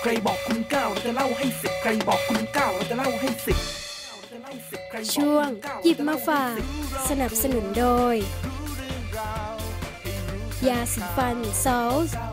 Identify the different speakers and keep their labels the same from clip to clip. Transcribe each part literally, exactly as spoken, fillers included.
Speaker 1: ใครบอกคุณเก้าเราจะเล่าให้สิบใครบอกคุณเก้าเราจะเล่าให้สิบ
Speaker 2: ช่วงหยิบมาฝากสนับสนุนโดยยาสีฟันซอลส์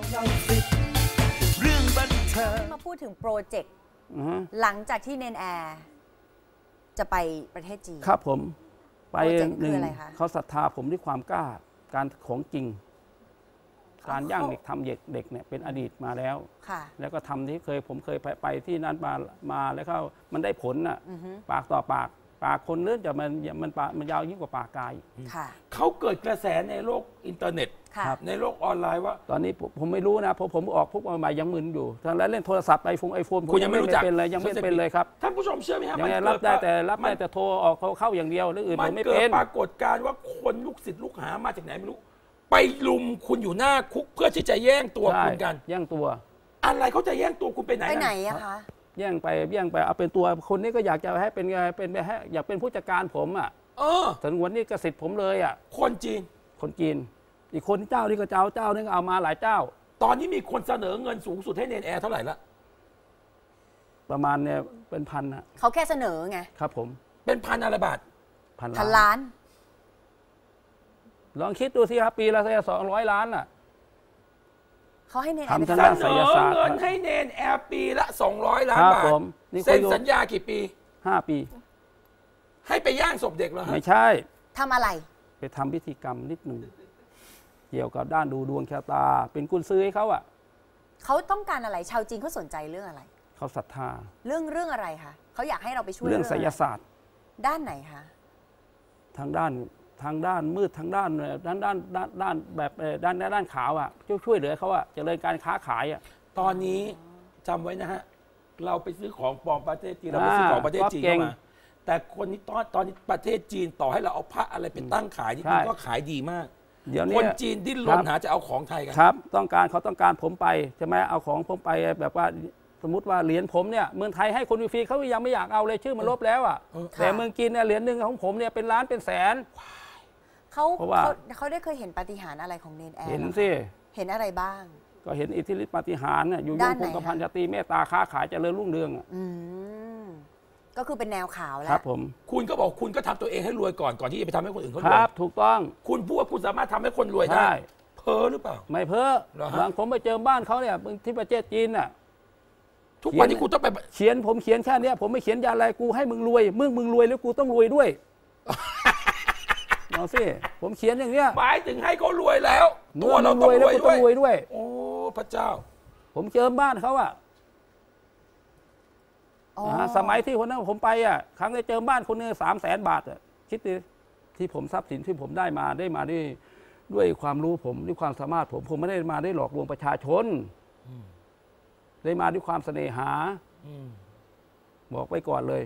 Speaker 3: มาพูดถึงโปรเจกต์หลังจากที่เนนแอร์จะไปประเทศจีน
Speaker 4: ครับผมไปหนึ่ง
Speaker 3: คืออะไรคะ
Speaker 4: เขาศรัทธาผมด้วยความกล้าการของจริงการย่างเด็กทำเด็กเด็กเนี่ยเป็นอดีตมาแล้วแล้วก็ทำที่เคยผมเคยไปไปที่นั้นมามาแล้วเขามันได้ผลน่ะปากต่อปากปากคนเลื่อนจะมันมันปากมันยาวยิ่งกว่าปากกาย
Speaker 5: เขาเกิดกระแสในโลกอินเทอร์เน็ตในโลกออนไลน์ว่า
Speaker 4: ตอนนี้ผมไม่รู้นะเพราะผมออกพวกใหม่ยังมึนอยู่ทางแล้วเล่นโทรศัพท์ไอโฟนไอโฟนผมยังไม่รู้จักเป็นเลยยังไม่เป็นเลยครับ
Speaker 5: ท่านผู้ชมเชื่อไหมครับ
Speaker 4: ยังรับได้แต่รับได้แต่โทรออกเขาเข้าอย่างเดียวหรืออื่นผมไม่เป็น
Speaker 5: ปรากฏการณ์ว่าคนลูกศิษย์ลูกหามาจากไหนไม่รู้ไปลุมคุณอยู่หน้าคุกเพื่อที่จะแย่งตัวคุณกัน
Speaker 4: แย่งตัว
Speaker 5: อะไรเขาจะแย่งตัวคุณไปไหน
Speaker 3: ไปไหนอะคะ
Speaker 4: แย่งไปแย่งไปเอาเป็นตัวคนนี้ก็อยากจะให้เป็นไงเป็นให้อยากเป็นผู้จัดการผมอ่ะ
Speaker 5: เออ
Speaker 4: ถึงวันนี้กสิทธิ์ผมเลยอ่ะ
Speaker 5: คนจีน
Speaker 4: คนจีนอีกคนเจ้านี่ก็เจ้าเจ้านึงเอามาหลายเจ้า
Speaker 5: ตอนนี้มีคนเสนอเงินสูงสุดให้เนนแอร์เท่าไหร่ละ
Speaker 4: ประมาณเนี่ยเป็นพันอ่ะ
Speaker 3: เขาแค่เสนอไง
Speaker 4: ครับผม
Speaker 5: เป็นพันอะไรบาท
Speaker 3: พันล้าน
Speaker 4: ลองคิดดูสิครับปีละสองร้อยล้านอ่ะ
Speaker 3: เขาให้เนนแอร์
Speaker 5: เสนอเงินให้เนนแอร์ปีละสองร้อยล้านบาทเซ็นสัญญากี่ปี
Speaker 4: ห้าปี
Speaker 5: ให้ไปย่างศพเด็กเหรอ
Speaker 4: ไม่ใช่
Speaker 3: ทำอะไร
Speaker 4: ไปทำพิธีกรรมนิดหนึ่งเกี่ยวกับด้านดูดวงชะตาเป็นกุญซือให้เขาอ่ะ
Speaker 3: เขาต้องการอะไรชาวจีนเขาสนใจเรื่องอะไร
Speaker 4: เขาศรัทธา
Speaker 3: เรื่องเรื่องอะไรคะเขาอยากให้เราไปช่วย
Speaker 4: เรื่องไสยศาสตร์
Speaker 3: ด้านไหนคะ
Speaker 4: ทางด้านทางด้านมืดทางด้านด้านด้านด้านด้านแบบด้านด้านขาวอ่ะช่วยช่วยเหลือเขาอ่ะเจริญการค้าขายอ่ะ
Speaker 5: ตอนนี้จำไว้นะฮะเราไปซื้อของปลอมประเทศจีนเราไปซื้อของประเทศจีนเข้ามาแต่คนนี้ตอนตอนนี้ประเทศจีนต่อให้เราเอาพระอะไรเป็นตั้งขายนี่มันก็ขายดีมาก
Speaker 4: เดี๋ยวนี้
Speaker 5: คนจีนดิ้นรนหาจะเอาของไทยกัน
Speaker 4: ครับต้องการเขาต้องการผมไปใช่ไหมเอาของผมไปแบบว่าสมมติว่าเหรียญผมเนี่ยเมืองไทยให้คนฟรีเขายังไม่อยากเอาเลยชื่อมันลบแล้วอ่ะแต่เมืองจีนเนี่ยเหรียญหนึ่งของผมเนี่ยเป็นล้านเป็นแสน
Speaker 3: เขาเขาได้เคยเห็นปาฏิหาริย์อะไรของเนนแอร์
Speaker 4: เห็นสิ
Speaker 3: เห็นอะไรบ้าง
Speaker 4: ก็เห็นอิทธิฤทธิปาฏิหาริย์เนี่ยอยู่ยงคงกระพันชาตรีเมตตาค้าขายเจริญรุ่งเรืองอ่ะ
Speaker 3: ก็คือเป็นแนวข่าวแล้ว
Speaker 4: ครับผม
Speaker 5: คุณก็บอกคุณก็ทำตัวเองให้รวยก่อนก่อนที่จะไปทำให้คนอื่นเขาร
Speaker 4: วยครับถูกต้อง
Speaker 5: คุณพูดว่าคุณสามารถทำให้คนรวยได้เพ้อหรือเปล่า
Speaker 4: ไม่เพ้อบางผมไปเจอบ้านเขาเนี่ยที่ประเทศจีนน่ะ
Speaker 5: ทุกวันนี้กูต้องไป
Speaker 4: เขียนผมเขียนแค่นี้ผมไม่เขียนยาอะไรกูให้มึงรวยมึงมึงรวยแล้วกูต้องรวยด้วยเอาสิผมเขียนอย่างเนี้ย
Speaker 5: หมายถึงให้เขารวยแล้ว
Speaker 4: ตัวเราต้องรวยแล้วกูต้องรวยด้วย
Speaker 5: โอ้พระเจ้า
Speaker 4: ผมเจอบ้านเขาอะสมัยที่คนนั้นผมไปอ่ะครั้งได้เจอบ้านคนนึงสามแสนบาทอ่ะคิดดิที่ผมทรัพย์สินที่ผมได้มาได้มาด้วยด้วยความรู้ผมด้วยความสามารถผมผมไม่ได้มาได้หลอกลวงประชาชนได้มาด้วยความเสน่หาบอกไว้ก่อนเลย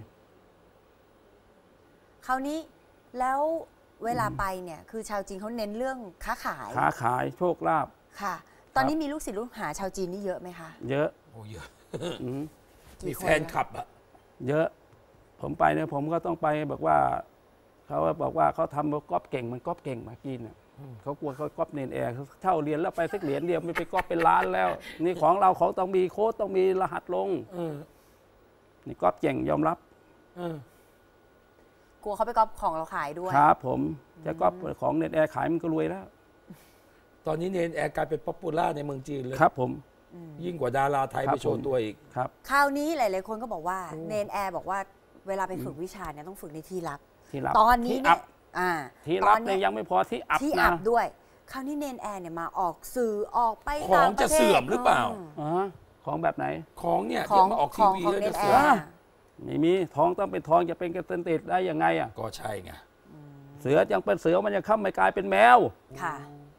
Speaker 3: คราวนี้แล้วเวลาไปเนี่ยคือชาวจีนเขาเน้นเรื่องค้าขาย
Speaker 4: ค้าขายโชคลาภ
Speaker 3: ค่ะตอนนี้มีลูกศิษย์ลูกหาชาวจีนนี่เยอะไหมคะ
Speaker 4: เยอะ
Speaker 5: โอ้เยอะมีแฟนคลับอะ
Speaker 4: เยอะผมไปเนี่ยผมก็ต้องไปบอกว่าเขาบอกว่าเขาทำก๊อปเก่งมันก๊อปเก่งมากินเนี่ยเขากลัวเขาก๊อปเนนแอร์เขาเช่าเรียนแล้วไปสักเหรียญเดียวไม่ไปก๊อปเป็นล้านแล้วนี่ของเราของต้องมีโค้ดต้องมีรหัสลงนี่ก๊อปเก่งยอมรับ
Speaker 3: กลัวเขาไปก๊อปของเราขายด้วย
Speaker 4: ครับผมจะก๊อปของเนนแอร์ขายมันก็รวยแล้ว
Speaker 5: ตอนนี้เนนแอร์กลายเป็นป๊อปปูล่าในเมืองจีนเลย
Speaker 4: ครับผม
Speaker 5: ยิ่งกว่าดาราไทยไปโชว์ตัวอีก
Speaker 4: ครับ
Speaker 3: คราวนี้หลายๆคนก็บอกว่าเนนแอร์บอกว่าเวลาไปฝึกวิชาเนี่ยต้องฝึกในที่ลับตอนนี้เนี่ย
Speaker 4: ที่ลับเนี่ยยังไม่พอที่อับ
Speaker 3: ที่อับด้วยคราวนี้เนนแอร์เนี่ยมาออกสื่อออกไป
Speaker 5: ของจะเสื่อมหรือเปล่า
Speaker 4: ของแบบไหน
Speaker 5: ของเนี่ยที่มาออกทีวีแล้วจะเสื่อม
Speaker 4: ไม่มีทองต้องเป็นทองจะเป็นกระเตนติดได้ยังไงอ่ะ
Speaker 5: ก็ใช่ไง
Speaker 4: เสือยังเป็นเสือมันจะเข้าไม่กลายเป็นแมว
Speaker 3: ค่ะ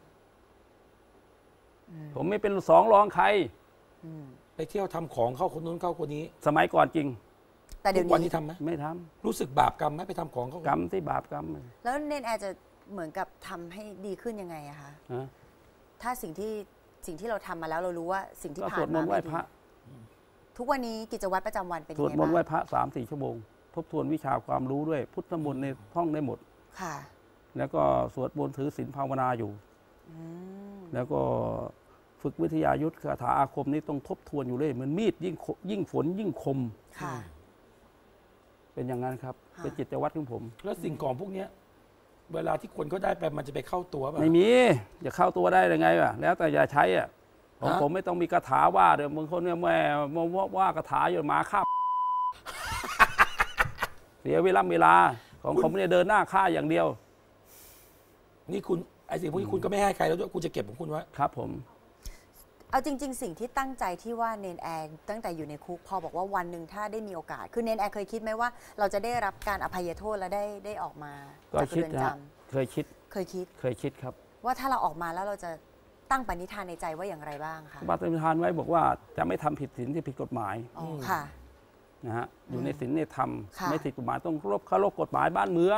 Speaker 4: ผมไม่เป็นสองรองใคร
Speaker 5: ไปเที่ยวทำของเข้าคนนู้นเข้าคนนี้
Speaker 4: สมัยก่อนจริง
Speaker 3: แต่เดี๋ยว
Speaker 5: นี้ทำไหม
Speaker 4: ไม่ท
Speaker 5: ำรู้สึกบาปกรรมไหมไปทำของเขา
Speaker 4: กรรมที่บาปกรรม
Speaker 3: แล้วเนนแอร์จะเหมือนกับทำให้ดีขึ้นยังไงอะคะถ้าสิ่งที่สิ่งที่เราทำมาแล้วเรารู้ว่าสิ่งที่ผ่านมาไม่ดีทุกวันนี้กิจวัตรประจำวันเป็นยังไงบ้าง
Speaker 4: สวดมนต์ไหว้พระสามสี่ชั่วโมงทบทวนวิชาความรู้ด้วยพุทธมนต์ในท่องได้หมด
Speaker 3: ค่ะ
Speaker 4: แล้วก็สวดมนต์ถือศีลภาวนาอยู่แล้วก็ฝฝึกวิทยายุทธคาถาอาคมนี่ต้องทบทวนอยู่เลยเหมือนมีดยิ่งยิ่งฝนยิ่งคมเป็นอย่างนั้นครับเป็นจิตวัตรของผม
Speaker 5: แล้วสิ่งของพวกนี้เวลาที่คนเขาได้ไปมันจะไปเข้าตัวป่ะ
Speaker 4: ไม่มีจะเข้าตัวได้ยังไงวะแล้วแต่อย่าใช้อ่ะของผมไม่ต้องมีคาถาว่าเดี๋ยวบางคนเนี่ยแม่ว่าว่าคาถาอยู่มาฆ่าเสียเวลาเวลาของผมเนี่ยเดินหน้าฆ่าอย่างเดียว
Speaker 5: นี่คุณไอ้สิ่งพวกนี้คุณก็ไม่ให้ใครแล้วด้วยคุณจะเก็บของคุณไว้
Speaker 4: ครับผม
Speaker 3: เอาจริงๆสิ่งที่ตั้งใจที่ว่าเนนแอร์ตั้งแต่อยู่ในคุกพอบอกว่าวันหนึ่งถ้าได้มีโอกาสคือเนนแอร์เคยคิดไหมว่าเราจะได้รับการอภัยโทษและได้ได้ออกมาจากเรือนจำ
Speaker 4: เคยคิด
Speaker 3: เคยคิด
Speaker 4: เคยคิดครับ
Speaker 3: ว่าถ้าเราออกมาแล้วเราจะตั้งปณิธานในใจว่าอย่างไรบ้างคะ
Speaker 4: ปณิธานไว้บอกว่าจะไม่ทำผิดศีลที่ผิดกฎหมาย
Speaker 3: ค่ะ
Speaker 4: นะฮะอยู่ในศีลในธรรมไม่ผิดกฎหมายต้องเคารพเคารพกฎหมายบ้านเมือง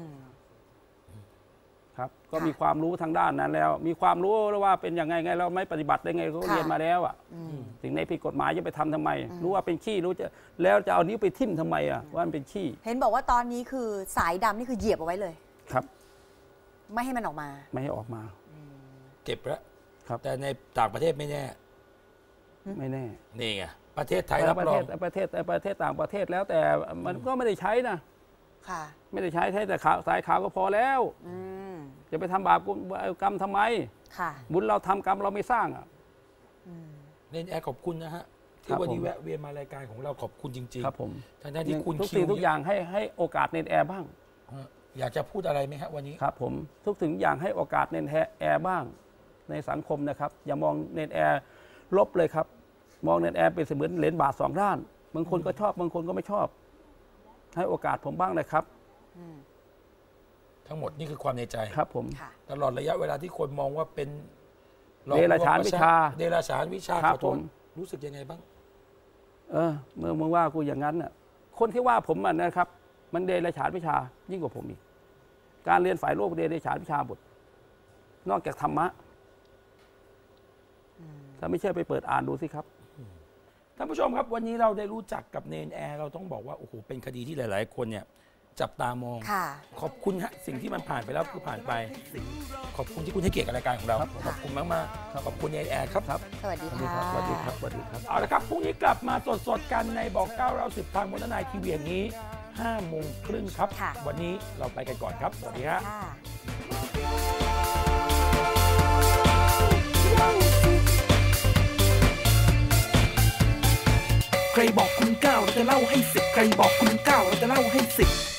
Speaker 4: ครับก็มีความรู้ทางด้านนั้นแล้วมีความรู้แล้วว่าเป็นยังไงไงเราไม่ปฏิบัติได้ไงเขาเรียนมาแล้วอ่ะสิ่งในผิดกฎหมายจะไปทำทำไมรู้ว่าเป็นขี้รู้จะแล้วจะเอานิ้วไปทิ่มทำไมอ่ะว่ามันเป็นขี้
Speaker 3: เห็นบอกว่าตอนนี้คือสายดำนี่คือเหยียบเอาไว้เลย
Speaker 4: ครับ
Speaker 3: ไม่ให้มันออกมา
Speaker 4: ไม่ให้ออกมา
Speaker 5: เก็บแล้ว
Speaker 4: ครับ
Speaker 5: แต่ในต่างประเทศไม่แน่
Speaker 4: ไม่แน่
Speaker 5: นี่ไงประเทศไทยรับรอง
Speaker 4: ประเทศประเทศต่างประเทศแล้วแต่มันก็ไม่ได้ใช้นะ
Speaker 3: ค่ะ
Speaker 4: ไม่ได้ใช้ใช้แต่ขาวสายขาวก็พอแล้วจะไปทำบาปกรรมทำไมบุญเราทำกรรมเราไม่สร้างอ่ะ
Speaker 5: เนนแอร์ขอบคุณนะฮะที่วันนี้แวะเวียนมารายการของเราขอบคุณจริง
Speaker 4: ๆครับผม
Speaker 5: ทั้งที่คุณ
Speaker 4: ทุกสิ่งทุกอย่างให้ให้โอกาสเนนแอร์บ้าง
Speaker 5: อยากจะพูดอะไรไหมครับวันนี้
Speaker 4: ครับผมทุกสิ่งอย่างให้โอกาสเนนแอร์บ้างในสังคมนะครับอย่ามองเนนแอร์ลบเลยครับมองเนนแอร์เป็นเสมือนเหรียญบาทสองด้านบางคนก็ชอบบางคนก็ไม่ชอบให้โอกาสผมบ้างเลยครับ
Speaker 5: ทั้งหมดนี่คือความในใจ
Speaker 4: ครับผม
Speaker 5: ตลอดระยะเวลาที่คนมองว่าเป็น
Speaker 4: เดรัจฉานวิชา
Speaker 5: เดรัจฉานวิชาขอโทษรู้สึกยังไงบ้าง
Speaker 4: เออเมื่อมึงว่ากูอย่างนั้นน่ะคนที่ว่าผมมันนะครับ มันเดรัจฉานวิชายิ่งกว่าผมอีกการเรียนฝ่ายโลกเดรัจฉานวิชาบทนอกจากธรรมะถ้าไม่เชื่อไปเปิดอ่านดูสิครับ
Speaker 5: ท่านผู้ชมครับวันนี้เราได้รู้จักกับเนนแอร์เราต้องบอกว่าโอ้โหเป็นคดีที่หลายๆคนเนี่ยจับตามองขอบคุณฮะสิ่งที่มันผ่านไปแล้วคือผ่านไปขอบคุณที่คุณให้เกียรติกับรายการของเราขอบคุณมากๆขอบคุณเนนแอร์ครับ
Speaker 3: สวัสดีค่ะ
Speaker 4: สวัสดีครับสวัสดีครับ
Speaker 5: เอาละครับพรุ่งนี้กลับมาสดๆกันในบอกเก้าเราสิบทางมนนายทีวีอย่างนี้ห้าโมงครึ่งครับวันนี้เราไปกันก่อนครับสวัสดีครับ
Speaker 1: ใครบอกคุณเก้าเราจะเล่าให้สิบใครบอกคุณเก้าเราจะเล่าให้สิบ